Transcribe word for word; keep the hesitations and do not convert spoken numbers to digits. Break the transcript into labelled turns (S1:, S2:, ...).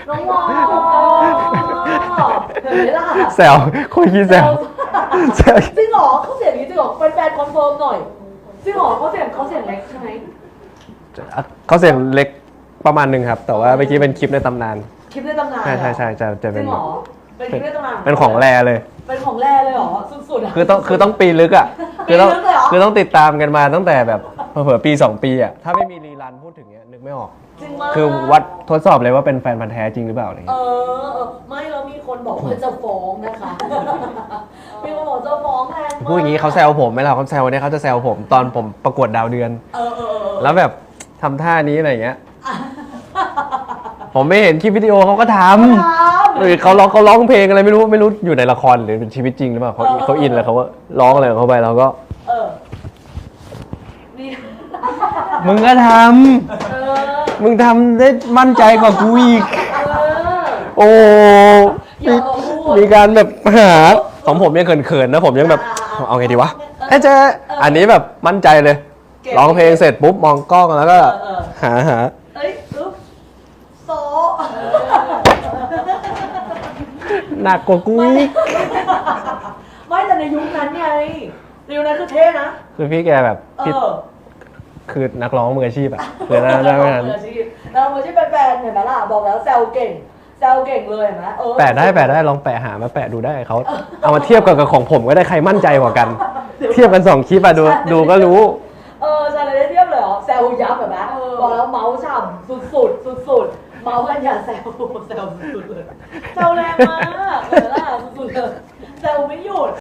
S1: น้องวอเห็นไหมล่ะ
S2: แซวคุยขี้แซวแซว
S1: จริงเหรอเขาเสียงนี้จริงเหรอแฟนๆคอนเฟิร์มหน่อยจริงเหรอเขาเสียงเขาเสียงเล็กใช่ไหม
S2: เขาเสียงเล็กประมาณหนึ่งครับแต่ว่าเมื่อกี้เป็นคลิปในตำนาน
S1: คลิปในตำนาน
S2: ใช่ใช่ใช่จะจะ
S1: จ
S2: เป็
S1: ริ
S2: น
S1: งเหรอเป็นคลิปในตำนาน
S2: เป็นของแรเลย
S1: เป็นของแร่เลยเหรอสุดๆอ่ะ
S2: คือต้องคือต้องปีลึกอ่ะคือต้อง
S1: ปีลึกเลยเหรอ
S2: คือต้องติดตามกันมาตั้งแต่แบบเผื่อๆปีสองปีอ่ะถ้าไม่มีรีรันพูดถึงเนี้ยนึกไม่ออก
S1: จริงมาก
S2: คือวัดทดสอบเลยว่าเป็นแฟนพันธ์แท้จริงหรือเปล่าอะไร
S1: เอ
S2: เงี้ย
S1: อเออไม่แล้วมีคนบอกว่าจะฟ้องนะคะมีคนบอกจะฟ้องแรงมาก
S2: พูดอย่างนี้เขาแซวผมไหมล่ะเขาแซวเนี่ยเขาจะแซวผมตอนผมประกวดดาวเดือน
S1: เออเออเออ
S2: แล้วแบบทำท่านี้อะไรเงี้ยผมไม่เห็นคลิปวิดีโอเขาก็ทำหรือเขาร้องเขาร้องเพลงอะไรไม่รู้ไม่รู้อยู่ในละครหรือเป็นชีวิตจริงหรือเปล่าเขาเขาอินเลยเขาก็ร้องอะไรของเขาไปเราก็
S1: เออนี่
S2: มึงก็ท
S1: เออ
S2: ำมึงทำได้มั่นใจกว่ากูอีก
S1: เออ
S2: โอ้
S1: อย่า
S2: มี
S1: มาพูด
S2: มีการแบบหาของผมยังเขินๆนะผมยังแบบเอาไงดีวะเอ้เจ๊อันนี้แบบมั่นใจเลยร้องเพลงเสร็จปุ๊บมองกล้องแล้วก็หาหา
S1: เอ้ยอึ๊บโซ
S2: หนักกว่ากูอีก
S1: ไม่แต่ในยุคนั้นไงในยุคนั้นคือเท่นะ
S2: คือพี่แกแบบ
S1: เอ
S2: พี่
S1: อ
S2: คือนักร้องมืออาชีพอะคือนะได้ไม่ทัน
S1: มืออาชีพเรามืออาชีพแฟนๆเห็นไหมล่ะบอกแล้วแซวเก่งแซวเก่งเลยเห็นไหมเออ
S2: แปะได้แปะได้ลองแปะหามาแปะดูได้เขาเอามาเทียบกับกับของผมก็ได้ใครมั่นใจกว่ากัน เทียบกันสองคลิปอะดูดูก็รู้
S1: เออจะเลยได้เทียบเลยเหรอแซวยับแบบนั้นบอกแล้วเมาส์ฉ่ำสุดๆสุดๆเมาส์กันอย่าแซวแซวสุดๆเลยแซวแรงมากเออล่ะสุดๆเลยแซวไม่หยุด